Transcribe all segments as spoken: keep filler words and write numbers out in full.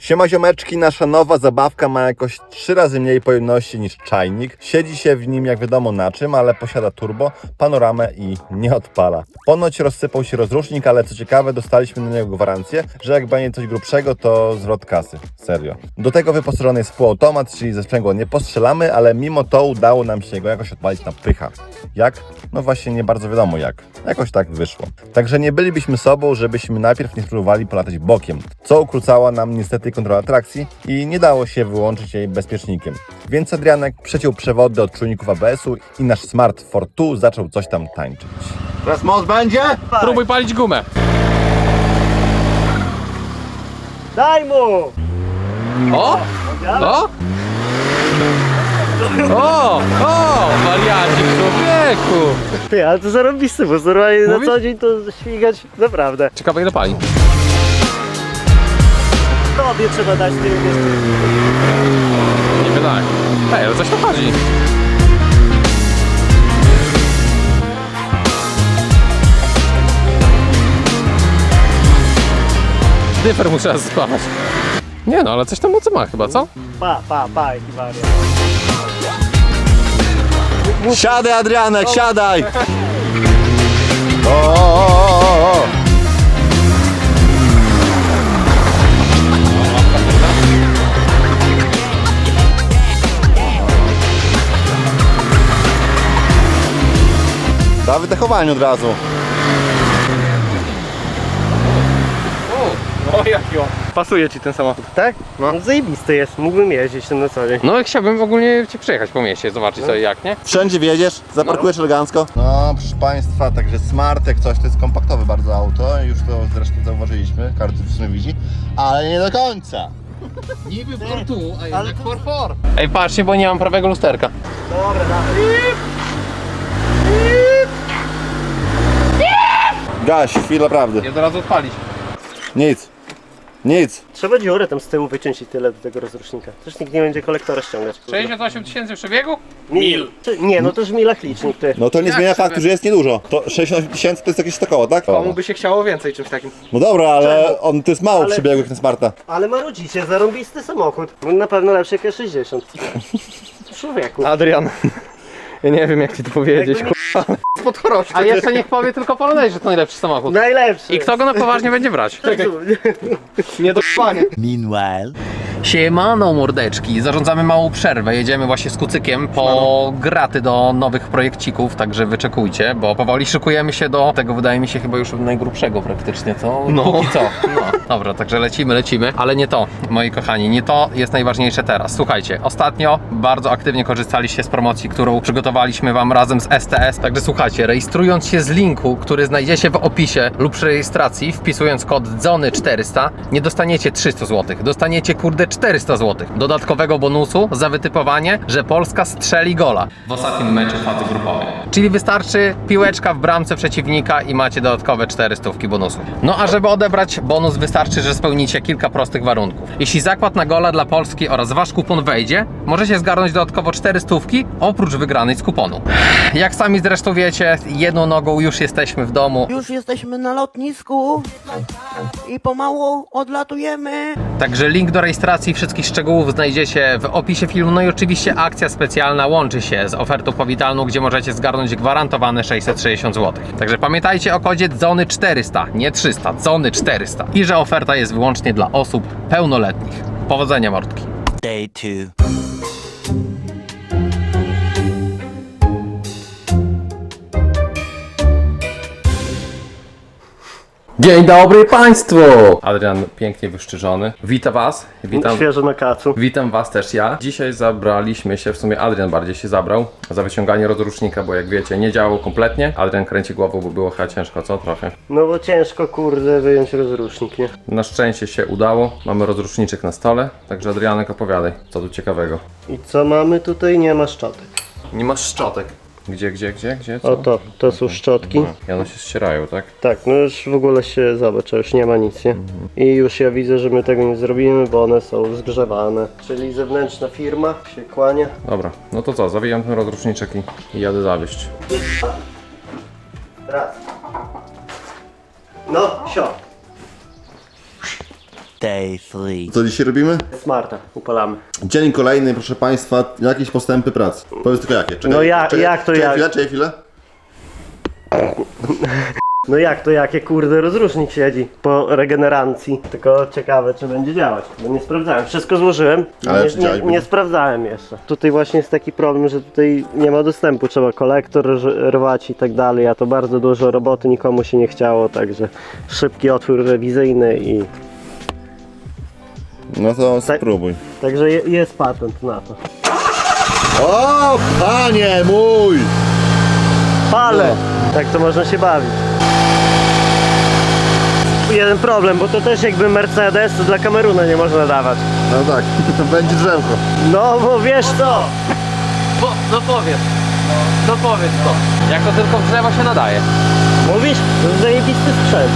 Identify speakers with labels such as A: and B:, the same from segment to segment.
A: Siema ziomeczki, nasza nowa zabawka ma jakoś trzy razy mniej pojemności niż czajnik. Siedzi się w nim jak wiadomo na czym, ale posiada turbo, panoramę i nie odpala. Ponoć rozsypał się rozrusznik, ale co ciekawe dostaliśmy na niego gwarancję, że jak będzie coś grubszego to zwrot kasy. Serio. Do tego wyposażony jest półautomat, czyli ze sprzęgła nie postrzelamy, ale mimo to udało nam się go jakoś odpalić na pycha. Jak? No właśnie nie bardzo wiadomo jak. Jakoś tak wyszło. Także nie bylibyśmy sobą, żebyśmy najpierw nie spróbowali polatać bokiem, co ukrócała nam niestety kontrola trakcji i nie dało się wyłączyć jej bezpiecznikiem. Więc Adrianek przeciął przewody od czujników A B S-u i nasz Smart Force dwa zaczął coś tam tańczyć.
B: Teraz most będzie?
C: Próbuj palić gumę.
D: Daj mu!
C: O! O! O! O! Wariacik człowieku!
D: Ty, ale to zarobisty, bo normalnie na
C: Mówisz?
D: co dzień to śmigać naprawdę.
C: Ciekawe ile pali.
D: Tobie trzeba dać ty wiesz.
C: Nie wydaje. Ej, ale coś tam chodzi. Dyfer muszę raz spamać. Nie no, ale coś tam mocy ma chyba, co?
D: Pa, pa, pa, jaki wariat.
B: Siadaj Adrianek, siadaj!
A: O, o, o, o, o.
B: Na wydechowaniu od razu.
C: O, jaki on. Pasuje ci ten samochód.
D: Tak? No zajebisty jest, mógłbym jeździć tym na co dzień.
C: No chciałbym ogólnie cię przejechać po mieście, zobaczyć co i jak, nie?
B: Wszędzie wjedziesz, zaparkujesz elegancko.
A: No proszę Państwa, także Smart jak coś to jest kompaktowe bardzo auto, już to zresztą zauważyliśmy, każdy w sumie widzi, ale nie do końca.
C: Niby for tu, a
D: jednak Ale to-
C: for for. Ej, patrzcie, bo nie mam prawego lusterka.
D: Dobra, dawaj.
A: Gaś, chwila prawdy.
C: Nie da razu odpalić.
A: Nic. Nic.
D: Trzeba dziurę tam z tyłu wyciąć i tyle do tego rozrusznika. Też nikt nie będzie kolektora ściągać. kurde.
C: sześćdziesiąt osiem tysięcy przebiegu?
D: Mil. Czy- Nie, no to już w milach licznik, ty.
A: No to nie
C: Jak
A: zmienia
C: sobie?
A: faktu, że jest niedużo. To sześćdziesiąt osiem tysięcy to jest jakieś sto koło, tak?
C: Komu by się chciało więcej czymś takim?
A: No dobra, ale
D: Czemu?
A: on to jest mało
D: Ale-
A: przebiegłych na Smarta.
D: Ale marudzicie, zarąbisty samochód. No na pewno lepszy jak sześćdziesiąt. Człowieku.
C: Adrian, ja nie wiem jak ci to powiedzieć,
D: Jakby
C: kurwa. A jeszcze niech powie tylko Polonez, że to najlepszy samochód.
D: Najlepszy.
C: I kto go na poważnie będzie brać? Nie do pania.
B: Meanwhile.
C: Siemano mordeczki, zarządzamy małą przerwę, jedziemy właśnie z Kucykiem po graty do nowych projekcików, także wyczekujcie, bo powoli szykujemy się do tego, wydaje mi się chyba już najgrubszego praktycznie, co? No. Póki co. No. Dobra, także lecimy, lecimy, ale nie to, moi kochani, nie to jest najważniejsze teraz. Słuchajcie, ostatnio bardzo aktywnie korzystaliście z promocji, którą przygotowaliśmy Wam razem z S T S, także słuchajcie, rejestrując się z linku, który znajdziecie w opisie lub przy rejestracji, wpisując kod dzony czterysta, nie dostaniecie trzysta złotych, dostaniecie kurde czterysta złotych dodatkowego bonusu za wytypowanie, że Polska strzeli gola w ostatnim meczu fazy grupowej. Czyli wystarczy piłeczka w bramce przeciwnika i macie dodatkowe czterysta bonusu. No a żeby odebrać bonus wystarczy, że spełnicie kilka prostych warunków. Jeśli zakład na gola dla Polski oraz wasz kupon wejdzie, możecie zgarnąć dodatkowo czterysta oprócz wygranej z kuponu. Jak sami zresztą wiecie, jedną nogą już jesteśmy w domu.
E: Już jesteśmy na lotnisku i pomału odlatujemy.
C: Także link do rejestracji i wszystkich szczegółów znajdziecie w opisie filmu. No i oczywiście akcja specjalna łączy się z ofertą powitalną, gdzie możecie zgarnąć gwarantowane sześćset sześćdziesiąt złotych. Także pamiętajcie o kodzie dzony czterysta, nie trzysta, dzony czterysta. I że oferta jest wyłącznie dla osób pełnoletnich. Powodzenia mordki.
B: Day two.
C: Dzień dobry Państwu! Adrian pięknie wyszczyżony. Witam Was. Witam.
D: Świeżo na kacu.
C: Witam Was też ja. Dzisiaj zabraliśmy się, w sumie Adrian bardziej się zabrał za wyciąganie rozrusznika, bo jak wiecie nie działał kompletnie. Adrian kręci głową, bo było chyba ciężko, co? Trochę.
D: No bo ciężko kurde wyjąć rozrusznik, nie?
C: Na szczęście się udało. Mamy rozruszniczek na stole, także Adrianek opowiadaj, co tu ciekawego.
D: I co mamy tutaj? Nie ma szczotek.
C: Nie masz szczotek. Gdzie, gdzie, gdzie, gdzie? Co?
D: O to, to są szczotki.
C: I one się ścierają, tak?
D: Tak, no już w ogóle się zobacz, już nie ma nic, nie? I już ja widzę, że my tego nie zrobimy, bo one są zgrzewane. Czyli zewnętrzna firma się kłania.
C: Dobra, no to co, zawijam ten rozruszniczek i, i jadę zawieźć.
D: Raz. No, sio.
B: Day three.
A: Co dzisiaj robimy?
D: Smarta, upalamy.
A: Dzień kolejny, proszę Państwa, jakieś postępy pracy. Powiedz tylko jakie. Czekaj,
D: No ja-
A: czekaj,
D: jak to
A: czekaj
D: jak?
A: chwilę, czekaj chwilę.
D: No jak to, jakie kurde rozrusznik siedzi po regeneracji. Tylko ciekawe, czy będzie działać, bo nie sprawdzałem. Wszystko złożyłem,
A: Ale
D: nie,
A: czy
D: nie,
A: działać
D: nie
A: będzie?
D: sprawdzałem jeszcze. Tutaj właśnie jest taki problem, że tutaj nie ma dostępu, trzeba kolektor rż- rwać i tak dalej, a to bardzo dużo roboty, nikomu się nie chciało, także szybki otwór rewizyjny i...
A: No to
D: Tak.
A: spróbuj.
D: Także je, jest patent na to.
A: O, panie mój!
D: Ale! Tak to można się bawić. Jeden problem, bo to też jakby Mercedes, to dla Kameruna nie można dawać.
A: No tak, będzie drzewko.
D: No bo wiesz co?
C: Bo, no powiedz. No powiedz to. Jak to tylko w drzewo się nadaje.
D: Mówisz? To jest zajebisty sprzęt.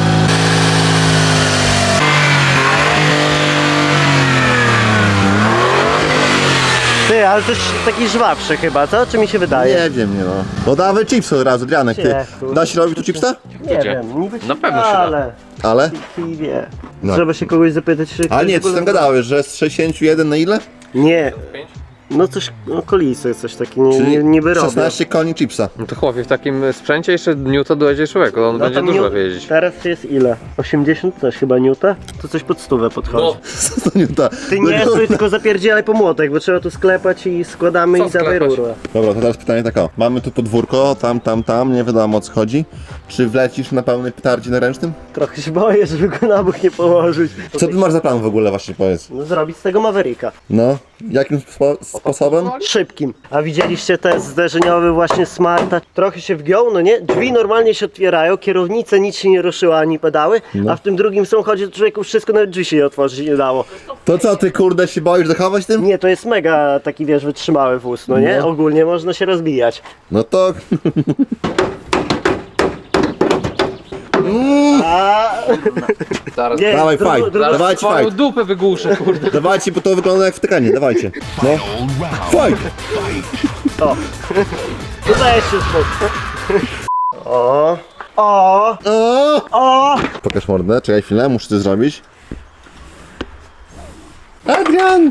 D: Ty, ale to jest taki żwawszy chyba, co? Czy mi się wydaje?
A: Nie wiem, nie no. No dawaj chipsy od razu, Drianek, ty.
D: Nie, kurde.
A: Da się robić tu chipsa?
D: Nie
C: Gdzie?
D: wiem, niby się
C: Na pewno
D: da,
C: się da.
D: ale...
A: Ale?
D: Kij wie.
A: No.
D: Trzeba się kogoś zapytać, czy...
A: Ale nie,
D: ktoś
A: ty tam
D: w ogóle-
A: gadałeś, że z sześćdziesiąt jeden na ile?
D: Nie. No coś, okolice, coś takiego, nie, nie, niby robię.
A: szesnaście koni chipsa.
C: No to chłopie, w takim sprzęcie jeszcze Newton dojedzie człowieku, on
D: No
C: będzie
D: tam
C: dużo
D: niu-
C: wiedzieć.
D: Teraz jest ile? osiemdziesiąt też chyba niuta? To coś pod stówę podchodzi.
C: No,
A: To nie ta.
D: Ty nie stój, tylko zapierdzielaj po młotek, bo trzeba tu sklepać i składamy
C: Co
D: i dawaj
C: sklepać?
D: rurę.
A: Dobra, to teraz pytanie tak o. Mamy tu podwórko, tam, tam, tam, nie wiadomo o co chodzi. Czy wlecisz na pełnej petardzie na ręcznym?
D: Trochę się boję, żeby go na bok nie położyć.
A: Co ty masz za plan w ogóle właśnie, powiedz?
D: No, zrobić z tego Mavericka.
A: No, jakim spo sposobem?
D: Szybkim. A widzieliście test zderzeniowy właśnie Smarta? Trochę się wgiął, no nie? Drzwi normalnie się otwierają, kierownica nic się nie ruszyła, ani pedały, a w tym drugim samochodzie to człowieku wszystko, nawet drzwi się nie otworzyć nie dało.
A: To co, ty kurde się boisz zachować tym?
D: Nie, to jest mega taki, wiesz, wytrzymały wóz, no nie?
A: No.
D: Ogólnie można się rozbijać.
A: No to...
D: A
C: zaraz.
D: nie,
A: Dawaj,
D: dru-
A: fight.
D: dru-
C: Zaraz
A: Dawajcie
C: twoją
A: fight.
C: dupę wygłuszę, kurde.
A: Dawajcie, bo to wygląda jak wtykanie, dawajcie. No. Fight!
D: O. Tutaj się spokój. O. O.
A: O!
D: O.
A: Pokaż mordę, czekaj chwilę, muszę to zrobić. Adrian!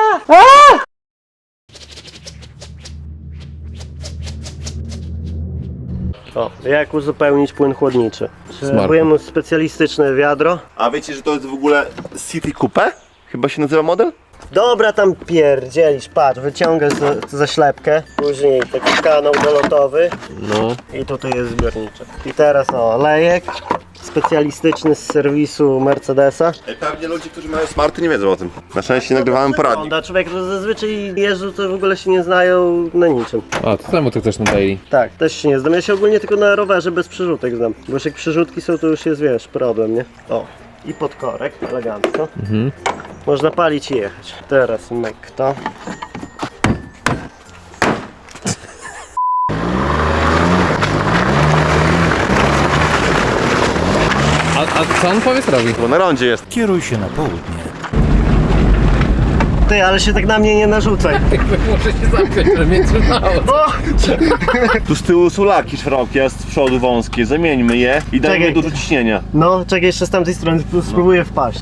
D: O, jak uzupełnić płyn chłodniczy?
A: Smart.
D: Potrzebujemy specjalistyczne wiadro.
A: A wiecie, że to jest w ogóle City Coupe? Chyba się nazywa model?
D: Dobra, tam pierdzielisz, patrz, wyciągasz za, za ślepkę, później taki kanał dolotowy
C: No.
D: i tutaj jest zbiorniczek. I teraz o, lejek specjalistyczny z serwisu Mercedesa.
A: Pewnie ludzie, którzy mają smarty nie wiedzą o tym. Na szczęście nagrywałem poradnik.
D: Wygląda, człowiek to zazwyczaj jeżdżą, to w ogóle się nie znają na niczym.
C: A, to czemu ty chcesz na daily?
D: Tak, też się nie znam. Ja się ogólnie tylko na rowerze bez przerzutek znam. Bo już jak przerzutki są, to już jest, wiesz, problem, nie? O, i podkorek, elegancko.
C: Mhm.
D: Można palić i jechać. Teraz myk to.
C: A, a co on powiedz robi?
A: Bo na rondzie jest.
B: Kieruj się na południe.
D: Ty, ale się tak na mnie nie narzucaj.
C: Muszę się zamknąć, żeby mnie trzymało.
A: Tu z tyłu są laki szerokie, a z przodu wąskie. Zamieńmy je i dajmy
D: Czekaj.
A: dużo ciśnienia.
D: No, czekaj, jeszcze z tamtej strony spróbuję wpaść.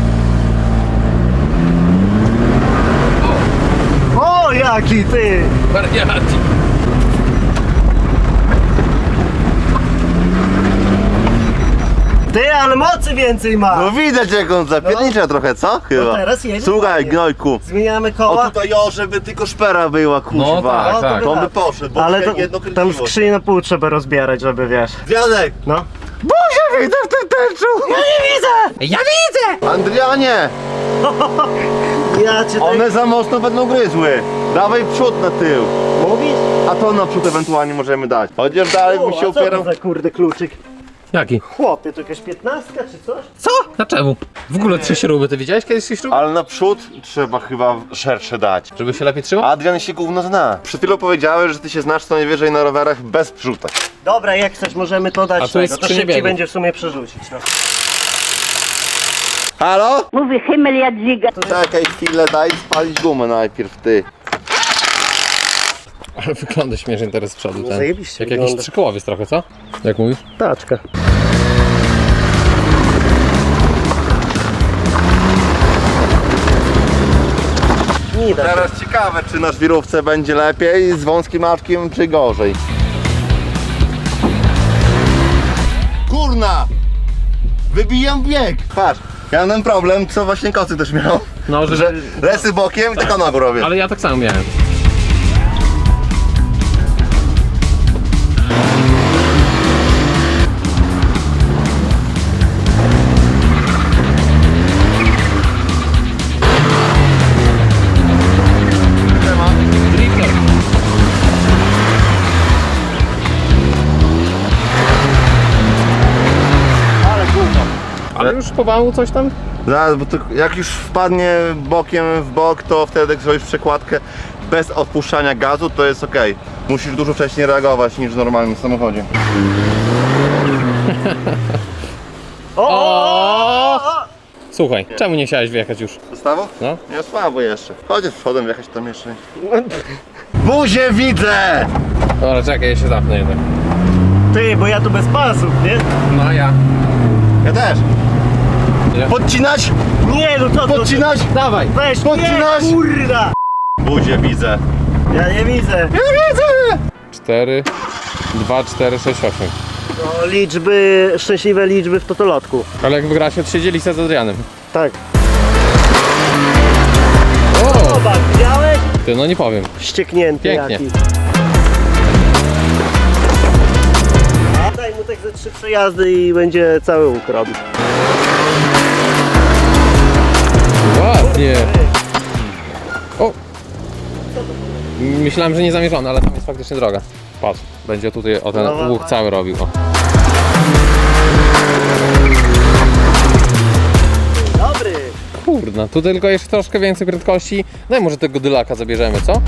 D: O, jaki ty!
C: Wariaci.
D: Ty, ale mocy więcej ma!
A: No widać jak on zapiernicza trochę, co? Chyba.
D: No teraz jedzie
A: Słuchaj,
D: ładnie.
A: gnojku.
D: Zmieniamy
A: O
D: koła.
A: tutaj o, żeby tylko szpera była, kuźwa.
C: No tak,
D: No, to
C: tak.
D: by-
A: To on by poszedł, bo
D: Ale
A: tutaj
D: to,
A: jedno
D: tam
A: kręciło.
D: skrzynię na pół trzeba rozbierać, żeby wiesz.
A: Wianek!
D: No.
A: Boże, widzę w tym tęczu! Ja nie widzę!
C: Ja widzę!
A: Andrianie!
D: Ja cię tak...
A: One za mocno będą gryzły. Dawaj przód na tył.
D: Mówisz?
A: A to na przód ewentualnie możemy dać. Chociaż dalej
D: O,
A: bym
D: a
A: się
D: co to
A: upierał.
D: za kurde kluczyk?
C: Jaki?
D: Chłopie, to jakaś piętnastka czy coś?
C: Co? Dlaczego? W ogóle trzy śruby, ty widziałeś kiedyś trzy śruby?
A: Ale na przód trzeba chyba szersze dać.
C: Żeby się lepiej trzymał?
A: Adrian się gówno zna. Przed chwilą powiedziałeś, że ty się znasz co najwyżej na rowerach bez przrzutek.
D: Dobra, jak chcesz, możemy to dać
C: A tu jest
D: tego, to
C: skrzynia
D: szybciej
C: biegów.
D: będzie w sumie przerzucić. No.
A: Halo?
F: Mówi Himmel Jadwiga.
A: Czekaj chwilę, daj spalić gumę najpierw, ty.
C: Ale wygląda śmiesznie teraz z przodu.
D: No
C: ten.
D: zajebiście
C: Jak jakiś
D: wygląda.
C: trzykołowiec trochę, co? Jak mówisz?
D: Taczka. nie da się.
A: Teraz ciekawe, czy na żwirówce będzie lepiej z wąskim maczkiem, czy gorzej. Kurna! Wybijam bieg! Patrz, ja mam ten problem, co właśnie Kocyk też miał.
C: No, że...
A: Że lesy bokiem i tylko nogą robię.
C: Ale ja tak samo miałem. Drifter.
D: Ale gówno.
C: Ale już pomału coś tam?
A: Zaraz, bo to jak już wpadnie bokiem w bok, to wtedy jak zrobisz przekładkę bez odpuszczania gazu, to jest ok. Musisz dużo wcześniej reagować niż w normalnym samochodzie.
D: O, o, o, o.
C: Słuchaj, czemu nie chciałeś wjechać już?
A: Zostawo?
C: No.
A: Nie słabo jeszcze. Chociaż przodem wjechać tam jeszcze. Buzię widzę!
C: Dobra, czekaj, ja się zapnę jednak.
D: Ty, bo ja tu bez pasów, nie?
C: No ja.
A: Ja też.
C: Nie?
A: Podcinać?
D: Nie, no to to.
A: Podcinać?
C: Dawaj!
D: Weź,
A: Podcinać?
D: nie, kurda.
A: Buzię widzę.
D: Ja nie widzę.
A: Ja widzę!
C: cztery, dwa, cztery, sześć, osiem.
D: No, liczby, szczęśliwe liczby w totolotku.
C: Ale jak wygracie, to się dzieli z Adrianem.
D: Tak.
C: O!
D: Zobacz, widziałeś?
C: Ty, no nie powiem.
D: Wścieknięty
C: Pięknie.
D: jaki. A daj mu tak ze trzy przejazdy i będzie cały łuk robił.
C: Ładnie. O! Myślałem, że nie zamierzony, ale tam jest faktycznie droga. Patrz, będzie tutaj o ten
D: No,
C: łuk cały robił. O.
D: Dobry.
C: Kurna, tu tylko jeszcze troszkę więcej prędkości. Daj może tego dylaka zabierzemy, co?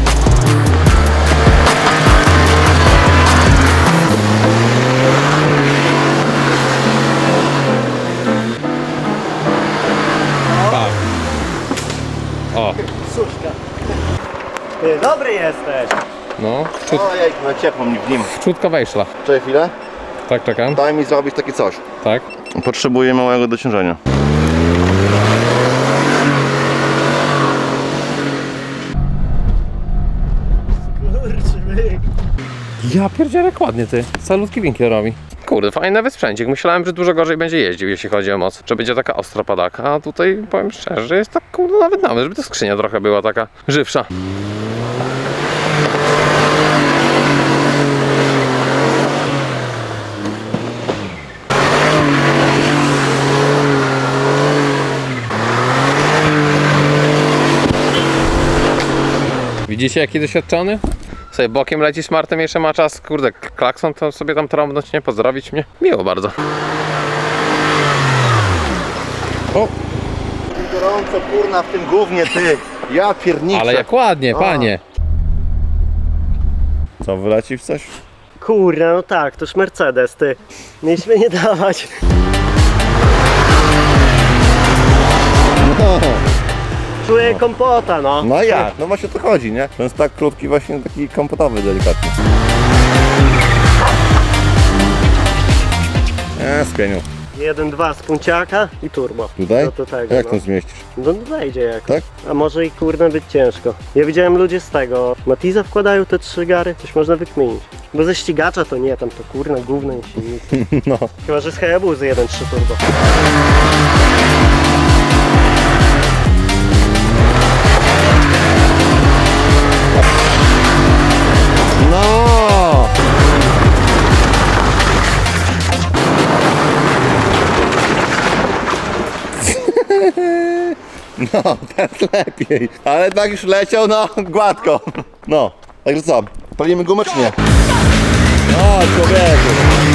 C: Tak. O,
D: Suszka. Ty, dobry jesteś.
C: no, wczut,
A: Ojej, no ciepło mi w nim.
C: wczutka wejszla.
A: Czekaj chwilę.
C: Tak, czekam.
A: Daj mi zrobić takie coś.
C: Tak.
A: Potrzebuję małego dociążenia.
D: Kurczybyk.
C: Ja pierdzielę ładnie ty. Salutki winkiel robi. Kurde, fajny wysprzędzik. Myślałem, że dużo gorzej będzie jeździł, jeśli chodzi o moc. Że będzie taka ostra padaka, a tutaj powiem szczerze, że jest tak kurde nawet nawet, żeby ta skrzynia trochę była taka żywsza. Widzicie jaki doświadczony? Sobie bokiem leci smartem, jeszcze ma czas, kurde, klakson to sobie tam trąbnąć, nie? Pozdrowić mnie. Miło bardzo. O,
A: Gorąco kurna w tym gównie, ty. Ja pierniczę.
C: ale jak ładnie, panie.
A: Co, wyleci w coś?
D: Kurna, no tak, toż Mercedes, ty. Mieliśmy nie dawać.
A: No,
D: Czuję kompota, no.
A: no jak? No właśnie o to chodzi, nie? To jest tak krótki, właśnie taki kompotowy delikatnie. Nie, spieniu.
D: jeden dwa z punciaka i turbo.
A: Tutaj?
D: No to tego,
A: Jak
D: no.
A: to zmieścisz?
D: No wejdzie jakoś.
A: Tak?
D: A może i kurna być ciężko. Ja widziałem ludzie z tego. Matiza wkładają te trzy gary, coś można wykminić. Bo ze ścigacza to nie, tam to kurna gówno i silnik.
A: No.
D: Chyba, że z Hayabuzy jeden trzy turbo.
A: No! No, teraz lepiej. Ale tak już leciał, no, gładko. No, także co, palimy gumę czy nie? No, człowieku.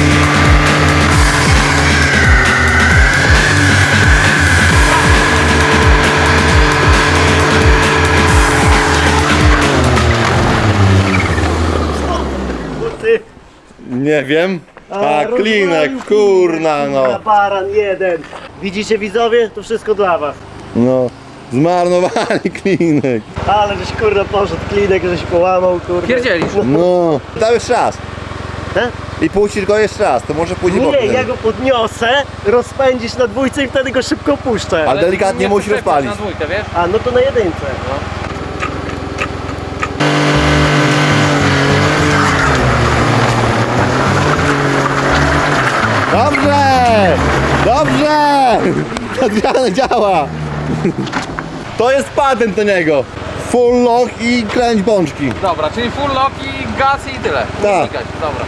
D: Ty.
A: Nie wiem. A,
D: rozwalił
A: klinek,
D: klinek,
A: kurna, no.
D: Baran jeden. Widzicie widzowie? To wszystko dla was.
A: No, zmarnowali klinek.
D: Ale żeś kurna poszedł, klinek żeś połamał, kurwa.
C: Pierdzielisz.
A: No, dał jeszcze raz.
D: He?
A: I puścisz go jeszcze raz, to może pójdzie
D: Nie,
A: bokiem.
D: ja go podniosę, rozpędzisz na dwójce i wtedy go szybko puszczę.
A: Ale delikatnie musi rozpalić.
C: Na dwójkę, wiesz?
D: A, no to na jedynce. No.
A: Dobrze! Adriana działa! To jest patent do niego. Full lock i kręć bączki.
C: Dobra, czyli full lock i gaz i tyle. Nie
A: Tak.
C: znikać, dobra.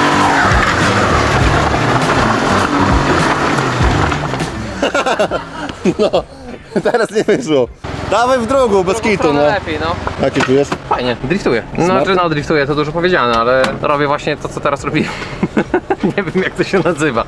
A: No, teraz nie wyszło. Dawaj w drugą, bez kitu,
C: Stronę
A: no.
C: lepiej, no.
A: Jak się czujesz?
C: Fajnie, driftuję. Znaczy, no driftuję, to dużo powiedziane, ale robię właśnie to, co teraz robiłem. Nie wiem, jak to się nazywa.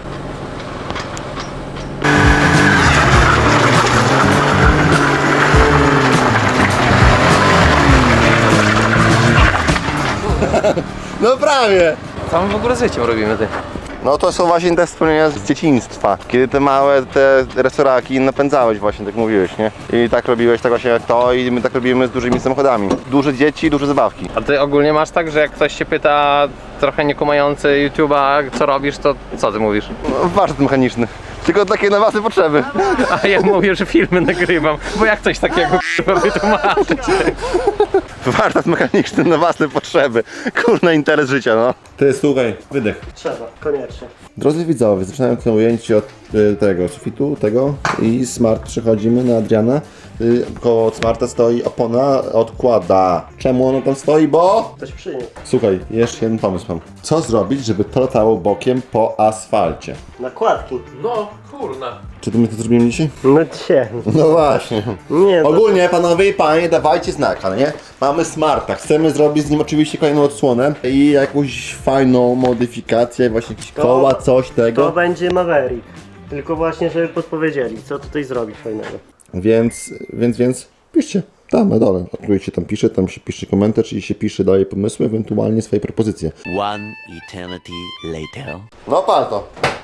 A: No prawie.
C: Co my w ogóle z życiem robimy, ty?
A: No to są właśnie te wspomnienia z dzieciństwa. Kiedy te małe, te resoraki napędzałeś właśnie, tak mówiłeś, nie? I tak robiłeś tak właśnie jak to i my tak robimy z dużymi samochodami. Duże dzieci, duże zabawki.
C: A ty ogólnie masz tak, że jak ktoś się pyta, trochę niekumający YouTube'a, co robisz, to co ty mówisz?
A: No, warsztat mechaniczny. Tylko takie na własne potrzeby.
C: A ja mówię, że filmy nagrywam, bo jak coś takiego wytłumaczyć?
A: Warsztat mechaniczny na własne potrzeby. Kurna, interes życia, no. Ty, słuchaj, wydech.
D: Trzeba, koniecznie.
A: Drodzy widzowie, zaczynamy to ujęcie od y, tego sufitu, tego i Smart przechodzimy na Adriana. Y, koło Smarta stoi opona, odkłada. Czemu ono tam stoi? Bo...
D: Ktoś przyniósł.
A: Słuchaj, jeszcze jeden pomysł mam. Co zrobić, żeby to latało bokiem po asfalcie?
D: Nakładki.
C: No, kurna.
A: Czy to my to zrobimy dzisiaj?
D: No cie.
A: No właśnie.
D: Nie, to...
A: Ogólnie, panowie i panie, dawajcie znak, ale nie? Mamy Smarta, chcemy zrobić z nim oczywiście kolejną odsłonę i jakąś fajną modyfikację, właśnie jakieś
D: To-
A: koła, coś
D: To
A: tego.
D: będzie Maverick. Tylko właśnie, żeby podpowiedzieli, co tutaj zrobić fajnego.
A: Więc, więc, więc piszcie tam na dole. Odkryjcie, tam pisze, tam się pisze komentarz, czyli się pisze, daje pomysły, ewentualnie swoje propozycje.
B: One eternity later.
A: No pan to.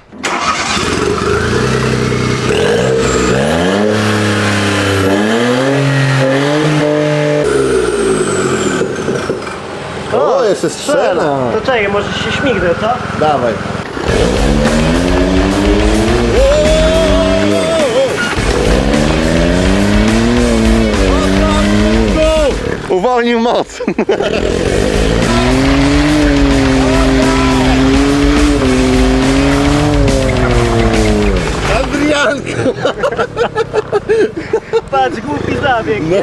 A: O, jeszcze strzela.
D: To czekaj, może się śmignę, co?
A: Dawaj. Uwolnił moc. Adrianko.
D: Patrz, głupi zabieg, nie?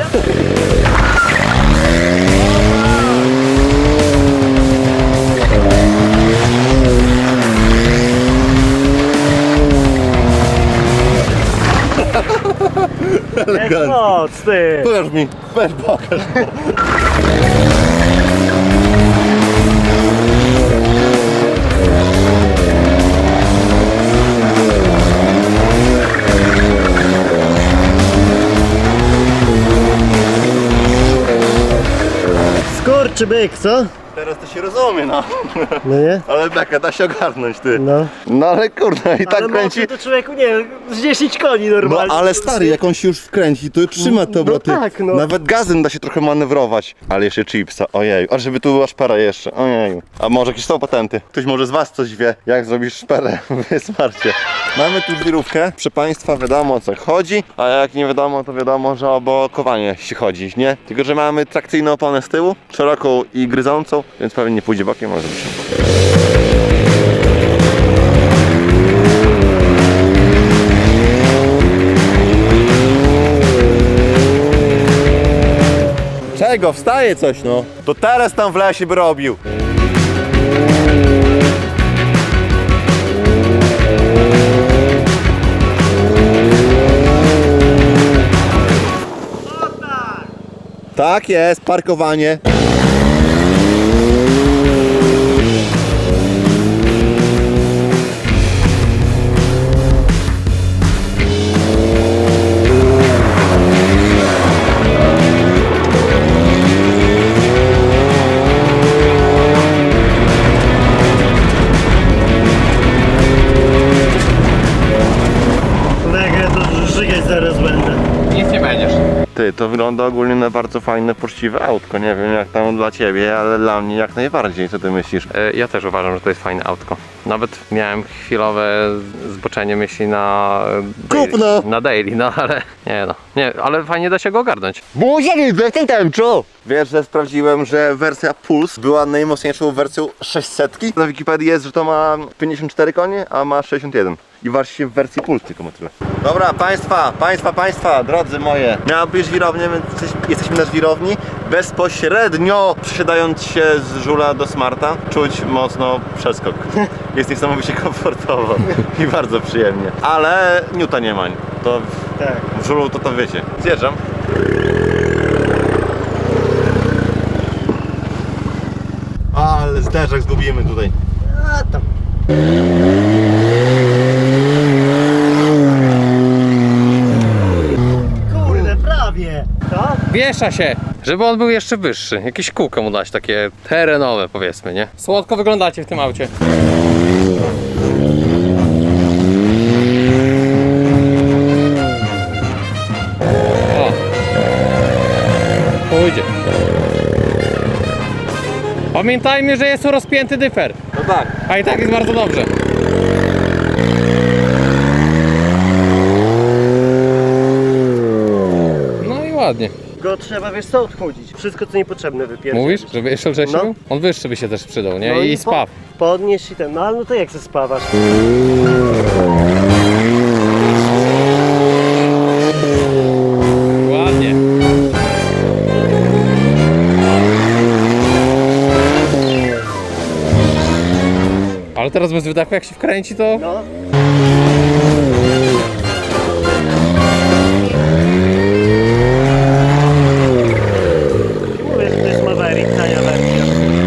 D: Jest moc, ty!
A: Pokaż mi, weź pokaż.
D: Skurczy byk, co?
A: Teraz to się rozumie, no.
D: No nie?
A: Ale beka, da się ogarnąć, ty.
D: No.
A: No ale kurde, i tak
D: Ale
A: kręci.
D: mocy to człowieku, nie wiem, z dziesięć koni
A: No
D: normalnie.
A: ale stary, jak on się już wkręci, to trzyma te
D: No
A: obroty.
D: tak, no.
A: Nawet gazem da się trochę manewrować. Ale jeszcze chipsa, ojej. A żeby tu była szpera jeszcze, ojej. A może jakieś są patenty? Ktoś może z was coś wie, jak zrobisz szperę w Smarcie. Mamy tu wirówkę. Proszę państwa, wiadomo o co chodzi. A jak nie wiadomo, to wiadomo, że o blokowanie się chodzi, nie? Tylko, że mamy trakcyjną oponę z tyłu, szeroką i gryzącą, więc pewnie nie pójdzie bokiem, może być. Czego? Wstaje coś, no. To teraz tam w lesie by robił. Tak jest, parkowanie.
D: Mega, to żygać zaraz będę.
C: Nic nie będziesz.
A: Ty, to wygląda ogólnie na bardzo fajne, poczciwe autko. Nie wiem jak tam dla ciebie, ale dla mnie jak najbardziej. Co ty myślisz?
C: E, Ja też uważam, że to jest fajne autko. Nawet miałem chwilowe zboczenie myśli na daily,
A: Kupno!
C: na daily, no ale nie no, nie, ale fajnie da się go ogarnąć.
A: Buzieli, bez tej tęczu! Wiesz, że sprawdziłem, że wersja Pulse była najmocniejszą wersją sześćset. Na Wikipedii jest, że to ma pięćdziesiąt cztery konie, a ma sześćdziesiąt jeden. i waż się w wersji Pulse, tylko tyle. Dobra, państwa, państwa, państwa, drodzy moje. Miała być żwirownia, więc jesteś- jesteśmy na żwirowni. Bezpośrednio przesiadając się z żula do smarta, czuć mocno przeskok. Jest niesamowicie komfortowo i bardzo przyjemnie. Ale niuta nie ma. To w,
D: Tak.
A: w żulu to to wiecie. Zjeżdżam. Ale zderzak zgubimy tutaj.
D: A tam. Kurde, prawie. To?
C: Wiesza się, żeby on był jeszcze wyższy. Jakieś kółko mu dać, takie terenowe powiedzmy, nie? Słodko wyglądacie w tym aucie. O! Pójdzie. Pamiętajmy, że jest tu rozpięty dyfer.
A: No tak.
C: A i tak jest bardzo dobrze. No i ładnie.
D: Go trzeba, wiesz co, odchodzić. Wszystko co niepotrzebne wypierdzieć.
C: Mówisz, żeby jeszcze lżejszy
D: No.
C: był? On wyższy by się też przydał, nie?
D: No
C: I,
D: i
C: spaw.
D: Po, podnieś i ten, no ale no to jak se spawasz?
C: Ładnie. Ale teraz bez wydechu jak się wkręci to...
D: No. Mówię, że to jest Maverick, tania wersja.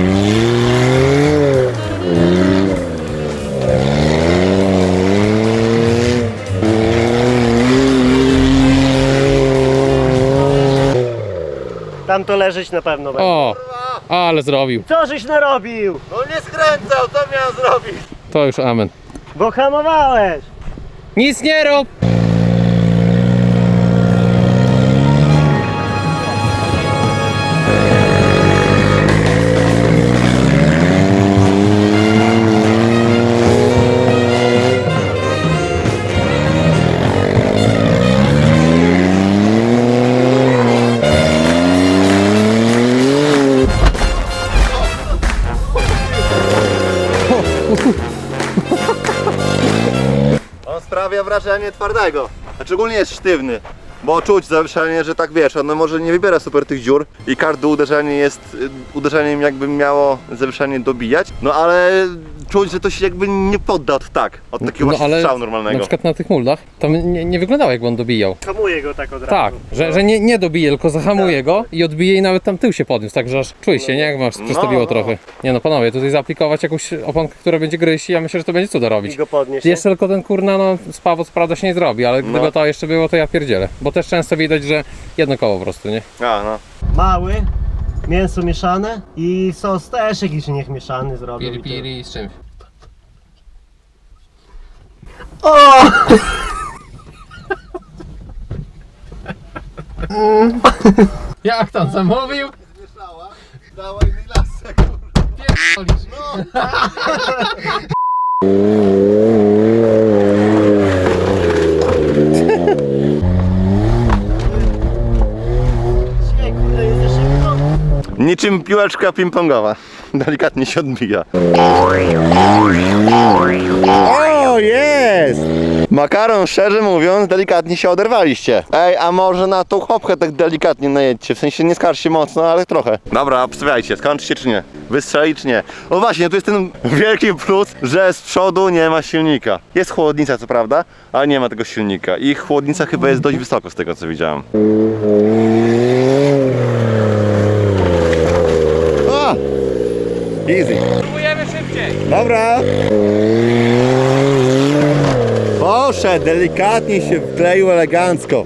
D: Tam to leżeć na pewno będzie.
C: O! Ale zrobił.
D: Co żeś narobił?
A: No nie skręcał, co miał zrobić?
C: To już amen.
D: Bo hamowałeś!
C: Nic nie rób!
A: On sprawia wrażenie twardego, a szczególnie jest sztywny, bo czuć zawieszenie, że tak wiesz, ono może nie wybiera super tych dziur i każde uderzenie jest y, uderzeniem jakby miało zawieszenie dobijać, no ale czuć, że to się jakby nie podda od tak, od takiego
C: No
A: właśnie
C: ale
A: strzału
C: na
A: normalnego.
C: przykład na tych muldach tam nie, nie wyglądało jakby on dobijał.
D: Hamuję go tak od razu.
C: Tak, że, że nie, nie dobije, tylko zahamuje go i odbije i nawet tam tył się podniósł, także aż czuj się, nie? Jak masz przestawiło
A: no.
C: trochę. Nie no panowie, tutaj zaaplikować jakąś oponkę, która będzie gryźć i ja myślę, że to będzie cuda
D: I
C: robić.
D: go podnieś. nie?
C: Jeszcze tylko ten kurna, no spawot prawda się nie zrobi, ale gdyby
A: No.
C: to jeszcze było, to ja pierdzielę. Bo też często widać, że jedno koło po prostu, nie?
A: A, no.
D: Mały, mięso mieszane i sos też jakiś niech mieszany zrobił. i tyle.
C: z czymś.
D: O!
C: Jak tam zamówił?
A: Mieszała, dała innej lasce.
D: Dzisiaj, kurde, jest za szybko.
A: Niczym piłeczka ping-pongowa. Delikatnie się odbija. O, jest! Makaron, szczerze mówiąc, delikatnie się oderwaliście. Ej, a może na tą chopkę tak delikatnie najedźcie, w sensie nie skarżcie mocno, ale trochę. Dobra, obstawiajcie, skończycie czy nie? Wystrzeli czy nie? O właśnie, tu jest ten wielki plus, że z przodu nie ma silnika. Jest chłodnica co prawda, ale nie ma tego silnika. I chłodnica chyba jest dość wysoko z tego co widziałem. O! Easy.
C: Próbujemy szybciej.
A: Dobra. Poszedł, delikatnie się wkleił elegancko.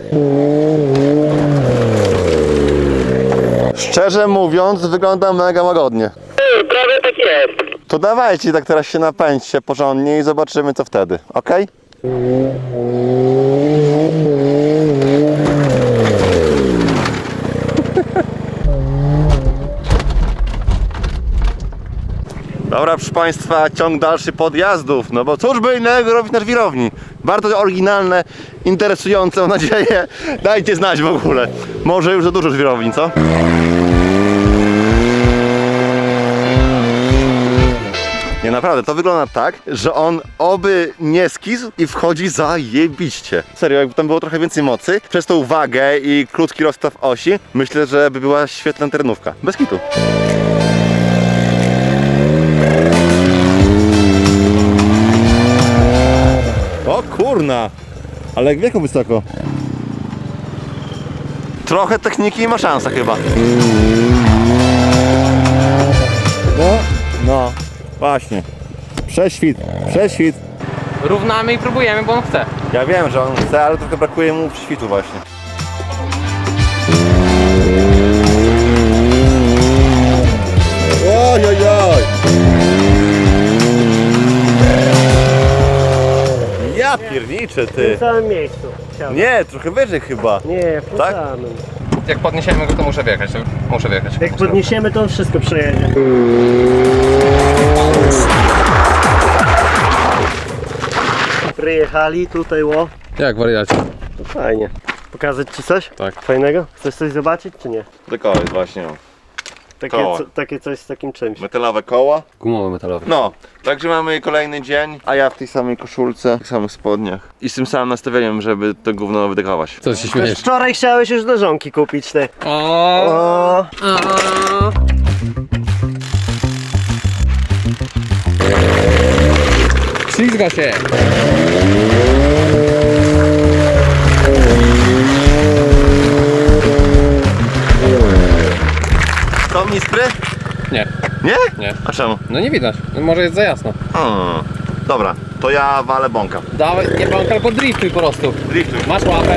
A: Szczerze mówiąc, wygląda mega łagodnie.
D: Prawie tak jest.
A: To dawajcie, tak teraz się napędźcie porządnie i zobaczymy co wtedy, ok? Dobra, proszę Państwa, ciąg dalszy podjazdów, no bo cóż by innego robić na żwirowni. Bardzo oryginalne, interesujące, mam nadzieję. Dajcie znać w ogóle. Może już za dużo żwirowni, co? Nie, naprawdę, to wygląda tak, że on oby nie skisł i wchodzi zajebiście. Serio, jakby tam było trochę więcej mocy, przez tą wagę i krótki rozstaw osi, myślę, że by była świetna terenówka. Bez kitu. O kurna! Ale jak wieku wysoko. Trochę techniki i ma szansa chyba. No, no, właśnie. Prześwit, prześwit.
C: Równamy i próbujemy, bo on chce.
A: Ja wiem, że on chce, ale trochę brakuje mu prześwitu właśnie. Oj, oj, oj. Ja pierniczę,
D: W
A: ty.
D: tym samym miejscu. Chciałem.
A: Nie, trochę wyżej chyba.
D: Nie, w tym
A: Tak?
D: samym.
C: Jak podniesiemy go, to muszę wjechać. Muszę wjechać.
D: Jak podniesiemy, to on wszystko przejedzie. Przyjechali tutaj, ło.
C: Jak wariacie?
D: To fajnie. Pokazać ci coś?
C: Tak.
D: Fajnego? Chcesz coś zobaczyć, czy nie?
A: Tylko jest właśnie.
D: Takie,
A: Koła.
D: co, takie coś z takim czymś.
A: Metalowe koła.
C: Gumowy metalowy.
A: No, także mamy kolejny dzień, a ja w tej samej koszulce, w tych samych spodniach. I z tym samym nastawieniem, żeby to gówno wydechować.
C: Co się śmiejesz?
D: Wczoraj chciałeś już leżonki kupić, ty.
C: O,
D: O,
C: Ślizga się!
A: To mispry?
C: Nie,
A: Nie?
C: nie.
A: A czemu?
C: No nie widać. No może jest za jasno.
A: Hmm. Dobra, to ja walę bąka.
C: Dawaj, nie bąk, albo driftuj po prostu.
A: Driftuj.
C: Masz łapę.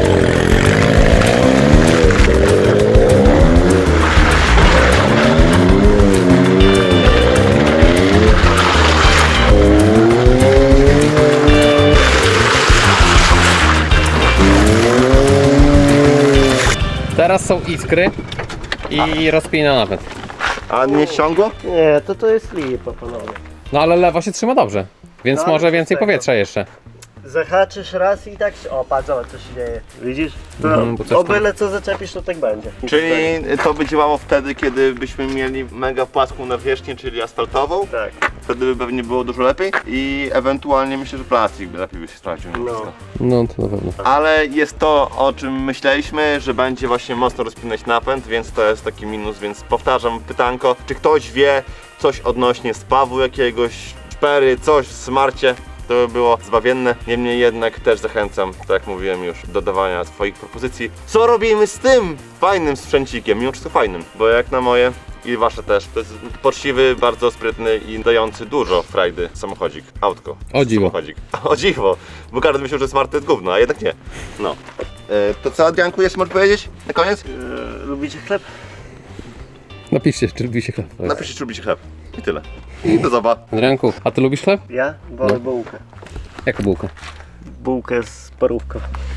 C: Teraz są iskry i rozpina napęd.
A: A nie ściągło?
D: nie, to to jest lipa, panowie.
C: No ale lewa się trzyma dobrze. Więc
D: No, ale
C: może
D: co z
C: więcej
D: tego?
C: powietrza jeszcze.
D: Zahaczysz raz i tak się... O, patrz, zobacz, co się dzieje. Widzisz? To
C: Mhm, bo coś
D: o
C: tam-
D: byle co zaczepisz, to tak będzie.
A: Czyli to by działało wtedy, kiedy byśmy mieli mega płaską nawierzchnię, czyli asfaltową.
D: Tak.
A: Wtedy by pewnie było dużo lepiej i ewentualnie myślę, że plastik by lepiej by się sprawdził. mimo
D: No.
A: wszystko.
C: No to na pewno.
A: Ale jest to, o czym myśleliśmy, że będzie właśnie mocno rozpinać napęd, więc to jest taki minus, więc powtarzam pytanko, czy ktoś wie coś odnośnie spawu jakiegoś, szpery, coś w smarcie? To by było zbawienne, niemniej jednak też zachęcam, tak jak mówiłem już, do dawania swoich propozycji. Co robimy z tym fajnym sprzęcikiem, mimo wszystko fajnym, bo jak na moje i wasze też, to jest poczciwy, bardzo sprytny i dający dużo frajdy samochodzik, autko.
C: O dziwo.
A: Samochodzik. O dziwo, bo każdy myślał, że smart to jest gówno, a jednak nie. No. E, to co, Adrianku, jeszcze możesz powiedzieć na koniec?
D: E, lubicie chleb?
C: Napiszcie, czy lubi się chleb.
A: Napiszcie, czy lubicie chleb. I tyle. I do zoba.
C: Adrianku, a ty lubisz chleb?
D: Ja wolę
C: No.
D: bułkę.
C: Jaką bułkę?
D: Bułkę z parówką.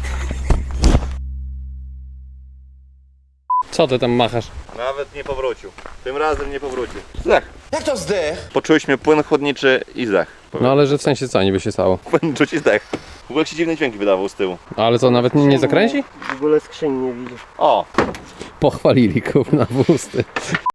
C: Co ty tam machasz?
A: Nawet nie powrócił. Tym razem nie powrócił. Zdech. Jak to zdech? Poczuliśmy płyn chłodniczy i zdech.
C: No ale że w sensie co niby się stało?
A: Płyn czuć i zdech. W ogóle jak się dziwne dźwięki wydawał z tyłu.
C: Ale co, nawet nie, nie zakręci?
D: W ogóle skrzyni nie widzę.
A: O!
C: Pochwalili kurna w usty.